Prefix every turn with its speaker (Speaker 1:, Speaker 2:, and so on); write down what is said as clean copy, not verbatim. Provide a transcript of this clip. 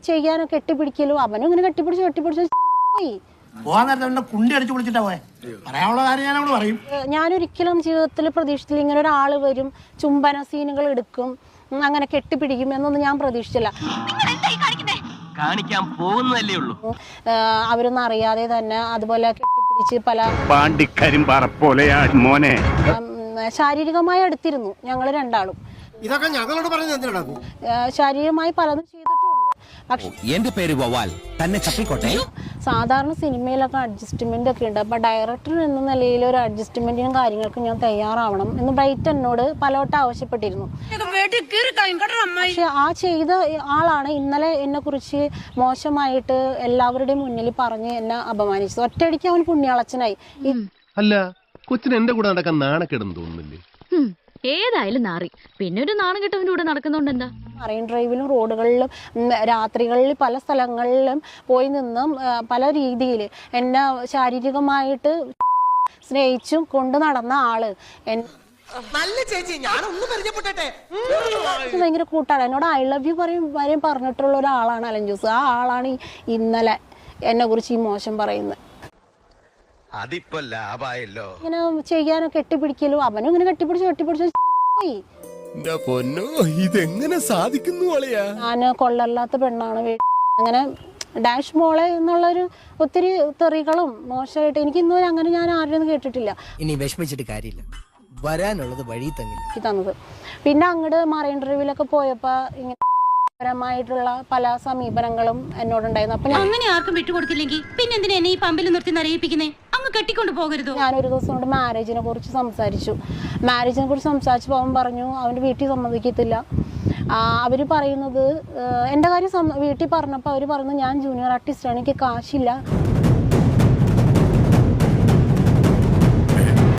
Speaker 1: ചെയ്യാനോ കെട്ടിപ്പിടിക്കലോ അവനും ഇങ്ങനെ കെട്ടിപ്പിടിച്ച് പോയി. ഞാനൊരിക്കലും ജീവിതത്തിൽ പ്രതീക്ഷിച്ചില്ല ഇങ്ങനെ ഒരാൾ വരും, ചുംബന സീനുകൾ എടുക്കും, അങ്ങനെ കെട്ടിപ്പിടിക്കും എന്നൊന്നും ഞാൻ പ്രതീക്ഷിച്ചില്ല.
Speaker 2: കാണിക്കാൻ പോകുന്നതല്ലേ ഉള്ളൂ.
Speaker 1: അവരൊന്നും അറിയാതെ തന്നെ അതുപോലെ കെട്ടിപ്പിടിച്ച് പല ശാരീരികമായി അടുത്തിരുന്നു ഞങ്ങൾ രണ്ടാളും.
Speaker 3: ഇതൊക്കെ ഞങ്ങളോട് പറഞ്ഞു
Speaker 1: ശാരീരികമായി പലതും ചെയ്തിട്ടുമുണ്ട്. പക്ഷെ
Speaker 4: എന്റെ പേര് വവാൽ തന്നെ ചപ്പിക്കോട്ടെ.
Speaker 1: സാധാരണ സിനിമയിലൊക്കെ അഡ്ജസ്റ്റ്മെന്റ് ഒക്കെ ഉണ്ട്. അപ്പൊ ഡയറക്ടർ എന്ന നിലയിൽ ഒരു അഡ്ജസ്റ്റ്മെന്റിനും കാര്യങ്ങൾക്കും ഞാൻ തയ്യാറാവണം എന്ന് ബ്രൈറ്റ് എന്നോട് പലവട്ടം ആവശ്യപ്പെട്ടിരുന്നു. പക്ഷെ ആ ചെയ്ത ആളാണ് ഇന്നലെ എന്നെ കുറിച്ച് മോശമായിട്ട് എല്ലാവരുടെയും മുന്നിൽ പറഞ്ഞ് എന്നെ അപമാനിച്ചത്. ഒറ്റയടിക്ക് അവൻ പുണ്യാളച്ചനായി.
Speaker 5: അല്ല, കൊച്ചിന് എന്റെ കൂടെ നടക്കാൻ നാണക്കേടെന്ന് തോന്നുന്നില്ലേ?
Speaker 6: ഏതായാലും നാറി, പിന്നെ ഒരു നാണം കെട്ടവന്റെ കൂടെ നടക്കുന്നോണ്ട് എന്താ?
Speaker 1: മറൈൻ ഡ്രൈവിലും റോഡുകളിലും രാത്രികളിൽ പല സ്ഥലങ്ങളിലും പോയി നിന്നും പല രീതിയിൽ എന്നെ ശാരീരികമായിട്ട് സ്നേഹിച്ചും കൊണ്ട് നടന്ന ആള് ഭയങ്കര കൂട്ടാണ്. എന്നോട് ഐ ലവ് യു വരെയും പറഞ്ഞിട്ടുള്ള ഒരാളാണ് അലൻ ജോസ്. ആ ആളാണ് ഇന്നലെ എന്നെ കുറിച്ച് ഈ മോശം പറയുന്നത്.
Speaker 4: അതിപ്പോ ലാഭായല്ലോ.
Speaker 1: ഇങ്ങനെ ചെയ്യാനോ കെട്ടിപ്പിടിക്കലോ അവനും ഇങ്ങനെ കെട്ടിപ്പിടിച്ച് പോയി.
Speaker 5: ഇതെങ്ങനെ സാധിക്കുന്നു?
Speaker 1: ഞാന് കൊള്ളല്ലാത്ത പെണ്ണാണ്, അങ്ങനെ ഡാഷ് മോളെ എന്നുള്ളൊരു ഒത്തിരി തെറികളും മോശമായിട്ട് എനിക്ക് ഇന്നുവരെ അങ്ങനെ ഞാൻ ആരുടെയൊന്നും കേട്ടിട്ടില്ല.
Speaker 3: ഇനി വിഷമിച്ചിട്ട് കാര്യമില്ല, വരാനുള്ളത് വഴി
Speaker 1: തന്നത്. പിന്നെ അങ്ങോട്ട് മറൈൻ ഡ്രൈവിലൊക്കെ പോയപ്പോ ഇങ്ങനെ പരമായിട്ടുള്ള പല സമീപനങ്ങളും എന്നോടുണ്ടായിരുന്നു. അപ്പൊ
Speaker 6: അങ്ങനെ ആർക്കും വിട്ടുകൊടുക്കില്ലെങ്കിൽ പിന്നെ എന്തിനാ എന്നെ ഈ പമ്പിൽ നിർത്തി നരയിപ്പിക്കുന്നേ? അങ്ങ് കെട്ടിക്കൊണ്ട് പോകരുതോ?
Speaker 1: ഞാനൊരു ദിവസം കൊണ്ട് മാരേജിനെ കുറിച്ച് സംസാരിച്ചപ്പോൾ അവൻ പറഞ്ഞു അവൻ്റെ വീട്ടിൽ സമ്മതിക്കത്തില്ല. അവര് പറയുന്നത് എൻ്റെ കാര്യം വീട്ടിൽ പറഞ്ഞപ്പോൾ അവർ പറഞ്ഞു ഞാൻ ജൂനിയർ ആർട്ടിസ്റ്റാണ്, എനിക്ക് കാശില്ല,